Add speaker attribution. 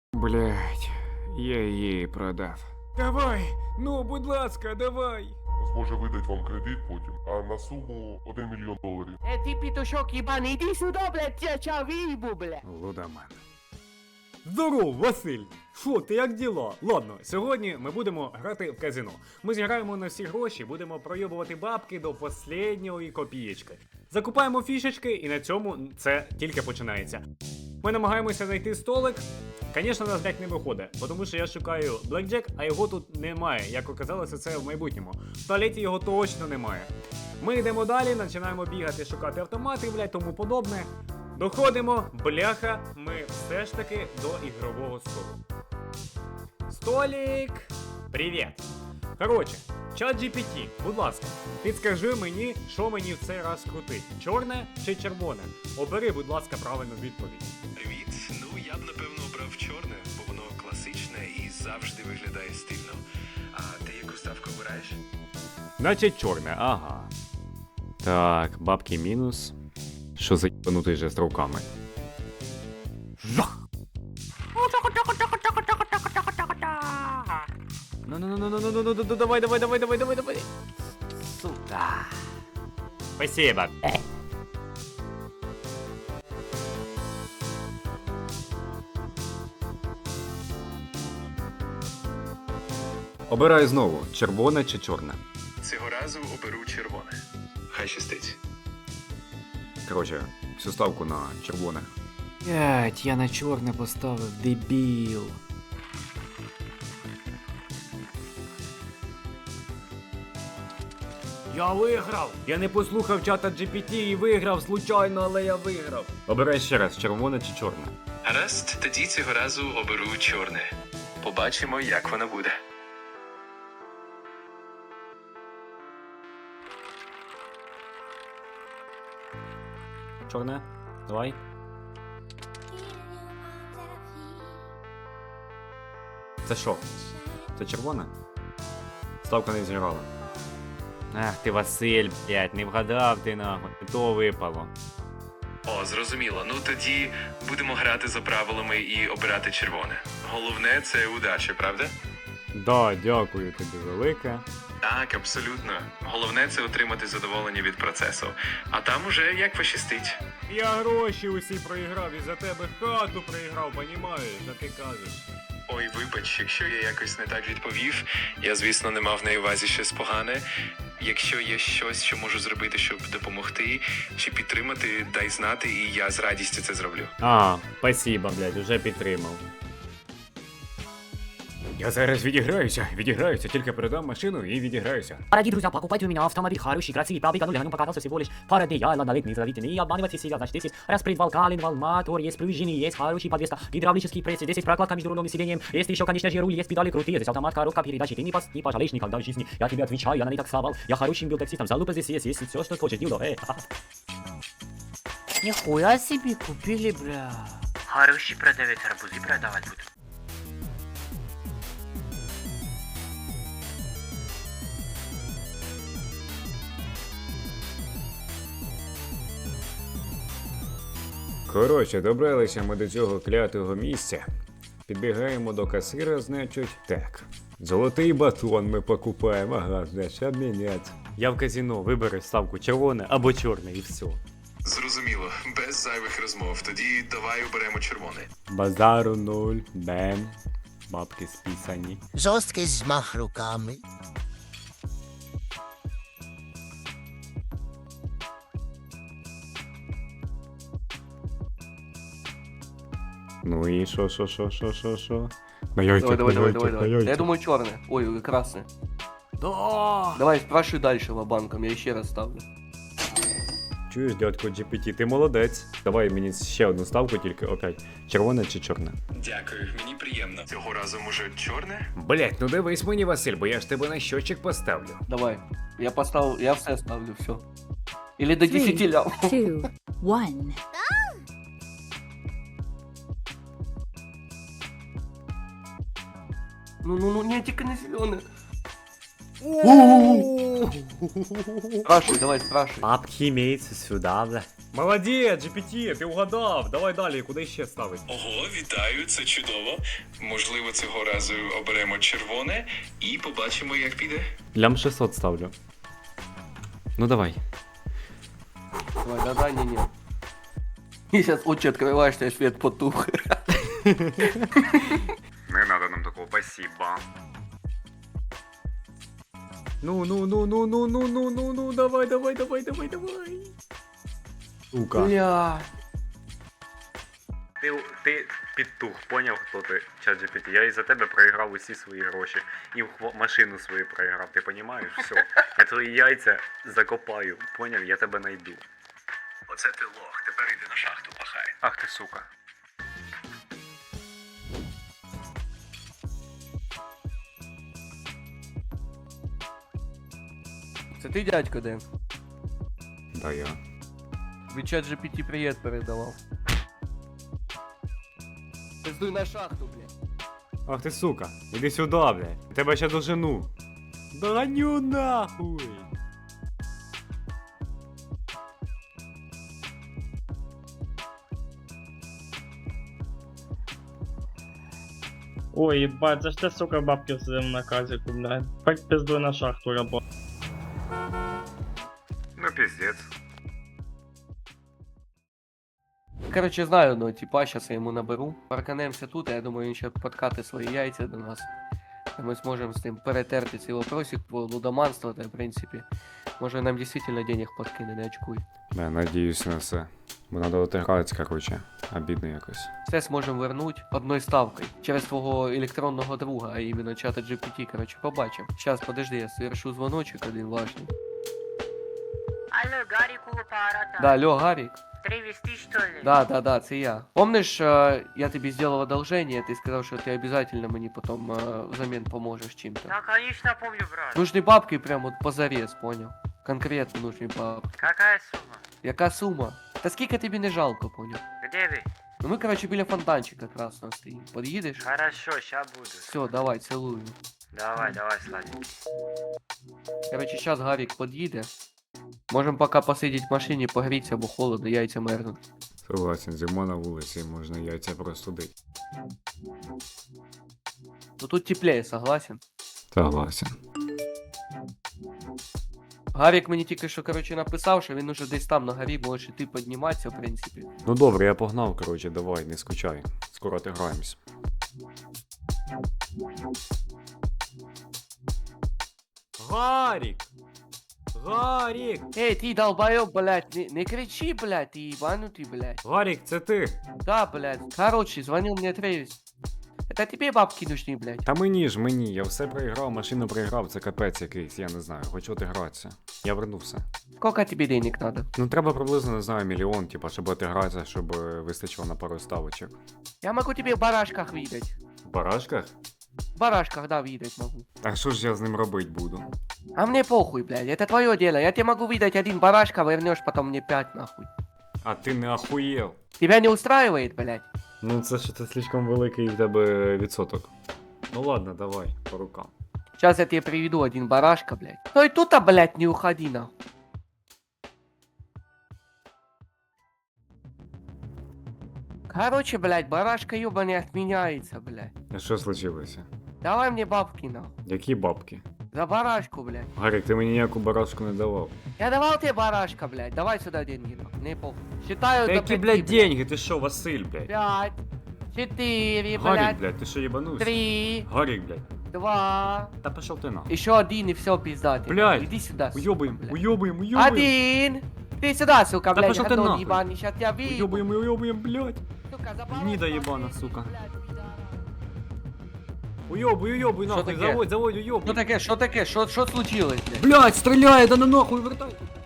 Speaker 1: Блять, я її продав. Давай, ну, будь ласка, давай.
Speaker 2: Зможе видати вам кредит потім, а на суму $1 мільйон.
Speaker 3: Ти пітушок єбаний, іди сюди, блядь, я чав виїбу, блядь.
Speaker 1: Лудоман.
Speaker 4: Здоров, Василь! Шо, ти як діла? Ладно, сьогодні ми будемо грати в казино. Ми зіграємо на всі гроші, будемо пройобувати бабки до останньої копієчки. Закупаємо фішечки і на цьому це тільки починається. Ми намагаємося знайти столик. Звісно, нас блять не виходить, тому що я шукаю блекджек, а його тут немає. Як оказалося, це в майбутньому. В туалеті його точно немає. Ми йдемо далі, починаємо бігати, шукати автомати, блять, тому подобне. Доходимо, бляха, ми все ж таки до ігрового столу. Столік! Привіт! Коротше, ChatGPT, будь ласка, підскажи мені, що мені в цей раз крутить. Чорне чи червоне? Обери, будь ласка, правильну відповідь.
Speaker 5: Привіт. Ну, я б напевно обрав чорне, бо воно класичне і завжди виглядає стильно. А ти яку ставку обираєш?
Speaker 4: Значить чорне, ага. Так, бабки мінус. Що за єбанутий же з руками? Жах! Ну, давай. Сука. Спасибо. Обирай знову, червоне чи чорне.
Speaker 5: Цього разу оберу червоне. Хай щастить.
Speaker 4: Коротше, всю ставку на червоне.
Speaker 1: Блять, я на чорне поставив, дебіл.
Speaker 4: Я виграв! Я не послухав чата GPT і виграв случайно, але я виграв. Обирай ще раз, червоне чи чорне.
Speaker 5: Гаразд, тоді цього разу оберу чорне. Побачимо, як воно буде.
Speaker 4: Чорне? Давай. Це що? Це червоне? Ставка не зіграла. Ах ти, Василь, блядь, не вгадав ти нахуй, то випало.
Speaker 5: О, зрозуміло. Ну тоді будемо грати за правилами і обирати червоне. Головне це удача, правда?
Speaker 4: Да, дякую тобі велике.
Speaker 5: Так, абсолютно. Головне це отримати задоволення від процесу. А там уже як пощастить.
Speaker 4: Я гроші усі проіграв і за тебе хату проіграв, понімаєш, а ти кажеш.
Speaker 5: Ой, вибач, якщо я якось не так відповів, я, звісно, не мав на увазі щось погане. Якщо є щось, що можу зробити, щоб допомогти чи підтримати, дай знати, і я з радістю це зроблю.
Speaker 4: А, спасибо, блядь, уже підтримав. Я зараз відіграюся, тільки передам машину і відіграюся.
Speaker 3: Дорогие друзья, покупайте у меня автомобиль хороший, красивый, пробега нуля, на нем показался всего лишь пара дней, я ладно, не зовите, не обманывайте себя, значит, здесь есть распредвал, коленвал, мотор, есть пружины, есть хороший подвеска, гидравлические прессы, здесь есть прокладка между рулем и сиденьем, есть еще, конечно же, руль, есть педали крутые, здесь автомат, коробка передач, ты не пожалеешь никогда в жизни, я тебе отвечаю, я на них так совал, я хорошим был таксистом, залупа здесь есть все, что хочешь, дилдо,
Speaker 6: Нихуя себе купили, бля. Хороший продавец, арбузы продавать будут.
Speaker 4: Коротше, добралися ми до цього клятого місця. Підбігаємо до касира, значить, так. Золотий батон ми покупаємо, ага, значить, обміняти. Я в казино, вибери ставку червоне або чорне і все.
Speaker 5: Зрозуміло, без зайвих розмов. Тоді давай оберемо червоне.
Speaker 4: Базару нуль, бем, бабки списані.
Speaker 7: Жорсткий змах руками.
Speaker 4: Ну і що? На яйцях,
Speaker 8: Давай. Я думаю, черное. Ой, красное.
Speaker 4: Да!
Speaker 8: Давай, спрашивай дальше лобанком, я еще раз ставлю.
Speaker 4: Чуєш, дядько GPT, ти молодець. Давай мені ще одну ставку, тільки опять. Червоне чи чорне?
Speaker 5: Дякую, мені приємно. Цього разу, може, чорне?
Speaker 1: Блять, ну дивись мені, Василь, бо я ж тебе на щочик поставлю.
Speaker 8: Давай. Я поставил, я все ставлю, все. Или до 10 ляв.
Speaker 9: 2, 1.
Speaker 8: Ну, не, тільки не зеленое. Спрашивай, давай, спрашивай.
Speaker 4: Бабки имеется сюда, бля. Молодець, GPT, ти угадав. Давай далі, куди ще ставить?
Speaker 5: Ого, вітаю, це чудово. Можливо, цього разу оберемо червоне і побачимо, як піде.
Speaker 4: Лям 600 ставлю. Ну давай.
Speaker 8: Давай, да-да, не-не. И сейчас очи открываешь, и свет потух.
Speaker 4: Не надо нам такого, спасибо. Ну, давай. Сука.
Speaker 8: Бля.
Speaker 4: Ти підтух, поняв, хто ти, ChatGPT? Я із-за тебе проіграв усі свої гроші. І машину свою проіграв, ти понімаєш? Все. Я твої яйця закопаю, поняв? Я тебе найду.
Speaker 5: Оце ти лох, тепер йди на шахту пахай.
Speaker 4: Ах ти сука.
Speaker 8: Це ти, дядько, Дэн?
Speaker 4: Да я.
Speaker 8: Ви чат GPT привіт передавав. Пиздуй на шахту, блядь.
Speaker 4: Ах ти сука, іди сюди, блядь. Тебе ще дожену. Доганю нахуй.
Speaker 9: Ой, ебать, за что, сука, бабки в своем наказе, блядь? Хоть пиздуй на шахту работать.
Speaker 4: Ну пиздец.
Speaker 8: Короче, знаю одного типа, сейчас я ему наберу. Парканемся тут, а я думаю, він ще подкати свої яйця до нас. І ми зможемо з ним перетерти цей вопросик по лудоманству, та в принципі. Може нам дійсно денег подкине, не очкуй.
Speaker 4: Да, надіюсь на все. Бо надо отигратися, короче. Обідно якось.
Speaker 8: Все зможемо вернуть одною ставкою. Через твого електронного друга, а іменно чата GPT, короче, побачимо. Щас, подожди, я совершу дзвоночок один важний.
Speaker 6: Алло, Гарик у аппарата.
Speaker 8: Да, алло, Гарик.
Speaker 6: Привезти, что ли?
Speaker 8: Да, це я. Помниш, я тобі зробив одолжение, ти сказав, що ти обов'язково мені потім взамін поможеш чим-то.
Speaker 6: Да, конечно, помню, брат.
Speaker 8: Нужні бабки прям от позарез, понял? Конкретно нужні бабки.
Speaker 6: Какая сумма?
Speaker 8: Яка сума? Та скільки тобі не жалко, понял?
Speaker 6: Где вы?
Speaker 8: Ну ми, короче, біля фонтанчика красного стоїмо. Под'їдеш?
Speaker 6: Хорошо, ща буду.
Speaker 8: Все, давай, цілую.
Speaker 6: Давай, сладенький.
Speaker 8: Короче, сейчас Гарик подъедет. Можем пока посидеть в машине, погреться, бо холодно, яйця мерзнуть.
Speaker 4: Согласен, зима на вулиці, можна яйця простудити.
Speaker 8: Ну тут теплее, согласен?
Speaker 4: Согласен.
Speaker 8: Гарик мені тільки що, короче, написав, що він уже десь там на горі, можеш і ти підніматися, в принципі.
Speaker 4: Ну добре, я погнав, короче, давай, не скучай. Скоро отиграємось. Гарік! Гарік!
Speaker 8: Эй, ты долбоёб, блядь, не кричи, блядь, ты ебанутый, блядь.
Speaker 4: Гарік, це ти!
Speaker 8: Да, блядь. Короче, звонил мне Тревис. Это тебе бабки нужны, блядь.
Speaker 4: Та мені, я все проіграв, машину проіграв, це капець якийсь, я не знаю, хочу отигратися. Я вернувся.
Speaker 8: Сколько тебе денег надо?
Speaker 4: Ну треба приблизно, не знаю, мільйон, типа, щоб отигратися, щоб вистачило на пару ставочок.
Speaker 8: Я могу тебе в барашках видать.
Speaker 4: В барашках?
Speaker 8: В барашках, да, видать могу.
Speaker 4: А що ж я з ним робити буду?
Speaker 8: А мне похуй, блядь, это твое дело. Я тебе могу выдать один барашка, вернешь потом мне 5, нахуй.
Speaker 4: А ти не охуєл?
Speaker 8: Тебя не устраивает, блядь?
Speaker 4: Ну це ж слишком великий в тебе відсоток. Ну ладно, давай, по рукам.
Speaker 8: Сейчас я тебе приведу один барашка, блядь. Ну и тут-то, блядь, не уходи, нахуй. Короче, блядь, барашка ёба не отменяется, блядь.
Speaker 4: А що случилося?
Speaker 8: Давай мне бабки, нахуй.
Speaker 4: Які бабки?
Speaker 8: За барашку, блядь.
Speaker 4: Гарік, ти мені ніяку барашку не давав.
Speaker 8: Я давал тебе барашка, блядь. Давай сюда деньги, нахуй. Не похуй. Считаю
Speaker 4: Та
Speaker 8: до
Speaker 4: які,
Speaker 8: 5,
Speaker 4: блядь, деньги? Ти що, Василь, блядь?
Speaker 8: 5, 4,
Speaker 4: Гарік,
Speaker 8: блядь,
Speaker 4: блядь, ти що, єбанувся?
Speaker 8: 3,
Speaker 4: Гарік, блядь.
Speaker 8: 2.
Speaker 4: Та пішов ти нахуй.
Speaker 8: Еще один и все, пизда. ты.
Speaker 4: Блядь,
Speaker 8: Иди сюда, сука,
Speaker 4: Уйобуємо,
Speaker 8: блядь.
Speaker 4: уйобуємо, уйобуємо.
Speaker 8: Один. Ты сюда, сука,
Speaker 4: Да
Speaker 8: блядь.
Speaker 4: пошёл ты
Speaker 8: гандон
Speaker 4: нахуй.
Speaker 8: ебаный, щас тебя выебу.
Speaker 4: Уйобуємо, уйобуємо, блядь.
Speaker 8: Сука, за
Speaker 4: Гнида
Speaker 8: барашка
Speaker 4: ебана,
Speaker 8: ответишь,
Speaker 4: сука.
Speaker 8: блядь, пидора.
Speaker 4: Уйобуй, уйобуй,
Speaker 8: Що
Speaker 4: нахуй,
Speaker 8: таке?
Speaker 4: заводь,
Speaker 8: Что
Speaker 4: уйобуй.
Speaker 8: таке, что случилось, блядь?
Speaker 4: Блядь, стріляє, да на нахуй, вертай.